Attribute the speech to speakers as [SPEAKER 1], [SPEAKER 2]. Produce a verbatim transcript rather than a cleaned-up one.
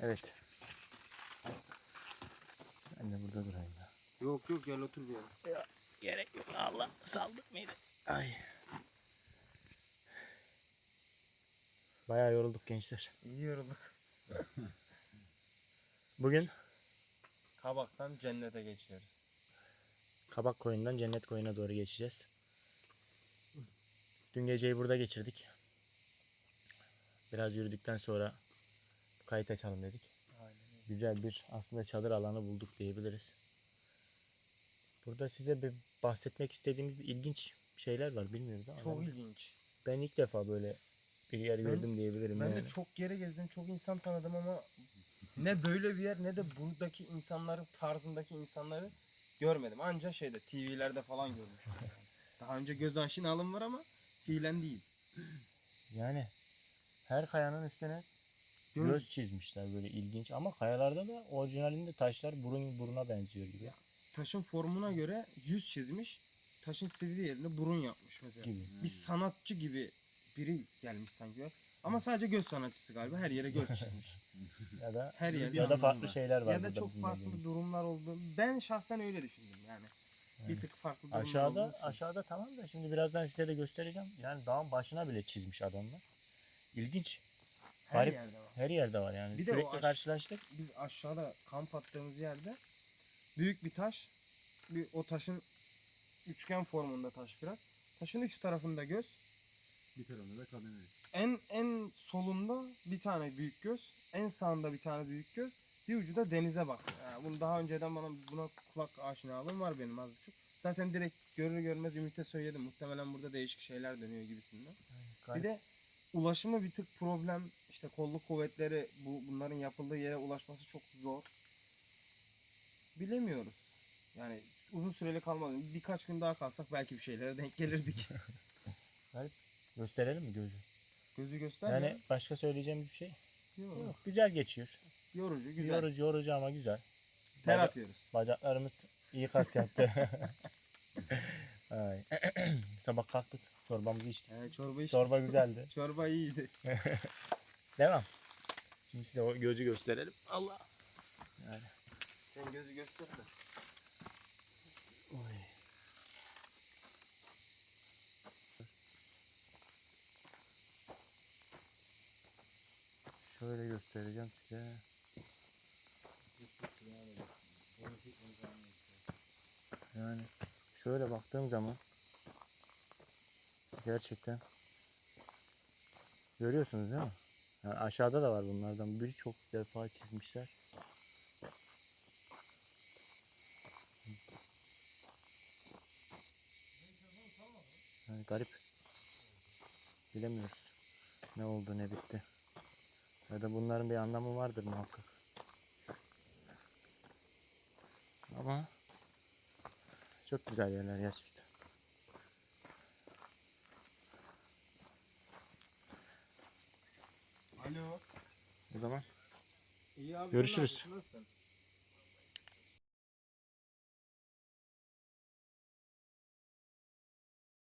[SPEAKER 1] Evet. Ben de burada durayım ya.
[SPEAKER 2] Yok yok gel otur bir yere.
[SPEAKER 1] Ya, gerek yok. Allah saldı mıydı? Ay. Bayağı yorulduk gençler.
[SPEAKER 2] İyi yorulduk.
[SPEAKER 1] Bugün
[SPEAKER 2] Kabaktan cennete geçiyoruz.
[SPEAKER 1] Kabak Koyun'dan Cennet Koyun'a doğru geçeceğiz. Dün geceyi burada geçirdik. Biraz yürüdükten sonra kayıt açalım dedik.
[SPEAKER 2] Aynen.
[SPEAKER 1] Güzel bir aslında çadır alanı bulduk diyebiliriz. Burada size bir bahsetmek istediğimiz ilginç şeyler var, bilmiyoruz ama
[SPEAKER 2] Çok
[SPEAKER 1] ben,
[SPEAKER 2] ilginç.
[SPEAKER 1] ben ilk defa böyle bir yer
[SPEAKER 2] Ben-
[SPEAKER 1] gördüm diyebilirim.
[SPEAKER 2] Ben
[SPEAKER 1] yani.
[SPEAKER 2] de çok yere gezdim, çok insan tanıdım ama ne böyle bir yer ne de buradaki insanların tarzındaki insanları görmedim. Anca şeyde T V'lerde falan görmüşüm. Yani. Daha önce göz aşinalığım var ama fiilen değil.
[SPEAKER 1] Yani her kayanın üstüne
[SPEAKER 2] Göz-
[SPEAKER 1] göz çizmişler, böyle ilginç, ama kayalarda da orijinalinde taşlar burun buruna benziyor gibi.
[SPEAKER 2] Taşın formuna göre yüz çizmiş, taşın sivri yerine burun yapmış mesela.
[SPEAKER 1] Gibi.
[SPEAKER 2] Bir sanatçı gibi biri gelmiş sanki. Ama sadece göz sanatçısı galiba, her yere göz çizmiş.
[SPEAKER 1] Ya da
[SPEAKER 2] Her yerde
[SPEAKER 1] ya da
[SPEAKER 2] anlamı
[SPEAKER 1] farklı
[SPEAKER 2] var.
[SPEAKER 1] şeyler var
[SPEAKER 2] Ya da
[SPEAKER 1] burada
[SPEAKER 2] çok farklı
[SPEAKER 1] bilmediğimiz.
[SPEAKER 2] durumlar oldu. Ben şahsen öyle düşündüm yani. Bir tık farklı durumlar
[SPEAKER 1] Aşağıda
[SPEAKER 2] olduğu için.
[SPEAKER 1] aşağıda tamam da şimdi birazdan size de göstereceğim. Yani dağın başına bile çizmiş adamlar. İlginç.
[SPEAKER 2] Her
[SPEAKER 1] Garip.
[SPEAKER 2] yerde var.
[SPEAKER 1] Her yerde var yani.
[SPEAKER 2] Bir de
[SPEAKER 1] Sürekli
[SPEAKER 2] o aş-
[SPEAKER 1] karşılaştık.
[SPEAKER 2] Biz aşağıda kamp attığımız yerde büyük bir taş, bir o taşın üçgen formunda taş biraz. Taşın üç tarafında göz.
[SPEAKER 3] Bir tarafında da kamera.
[SPEAKER 2] En en solunda bir tane büyük göz, en sağında bir tane büyük göz, bir ucu da denize bakıyor. Yani bunu daha önceden bana buna kulak aşinalığım var benim az buçuk. Zaten direkt görür görmez Ümit'e söyledim. Muhtemelen burada değişik şeyler dönüyor gibisinden. Bir de ulaşımı bir tık problem. İşte kolluk kuvvetleri bu bunların yapıldığı yere ulaşması çok zor. Bilemiyoruz. Yani uzun süreli kalmadı. Birkaç gün daha kalsak belki bir şeylere denk gelirdik.
[SPEAKER 1] Gösterelim mi gözü?
[SPEAKER 2] Gözü göster
[SPEAKER 1] Yani
[SPEAKER 2] ya.
[SPEAKER 1] başka söyleyeceğim bir şey
[SPEAKER 2] Yok.
[SPEAKER 1] yok. Güzel geçiyor.
[SPEAKER 2] Yorucu, güzel.
[SPEAKER 1] Yorucu yorucu ama güzel.
[SPEAKER 2] Ter
[SPEAKER 1] Baca-
[SPEAKER 2] atıyoruz.
[SPEAKER 1] Bacaklarımız iyi kas yaptı. Ay. Sabah kalktık. Çorbamızı içtik.
[SPEAKER 2] Ee, çorba içtik.
[SPEAKER 1] Çorba güzeldi.
[SPEAKER 2] Çorba iyiydi.
[SPEAKER 1] Devam. Şimdi size o gözü gösterelim. Allah. Yani.
[SPEAKER 2] Sen gözü göster de.
[SPEAKER 1] Oy. Şöyle göstereceğim size. Yani şöyle baktığım zaman gerçekten görüyorsunuz değil mi? Yani aşağıda da var bunlardan birçok defa çizmişler. Yani garip. Bilemiyoruz ne oldu ne bitti. Ya da bunların bir anlamı vardır muhakkak. Ama çok güzel yerler gerçekten.
[SPEAKER 2] Alo.
[SPEAKER 1] O zaman
[SPEAKER 2] İyi abi.
[SPEAKER 1] Görüşürüz.
[SPEAKER 2] sen ne yapıyorsun? Nasılsın?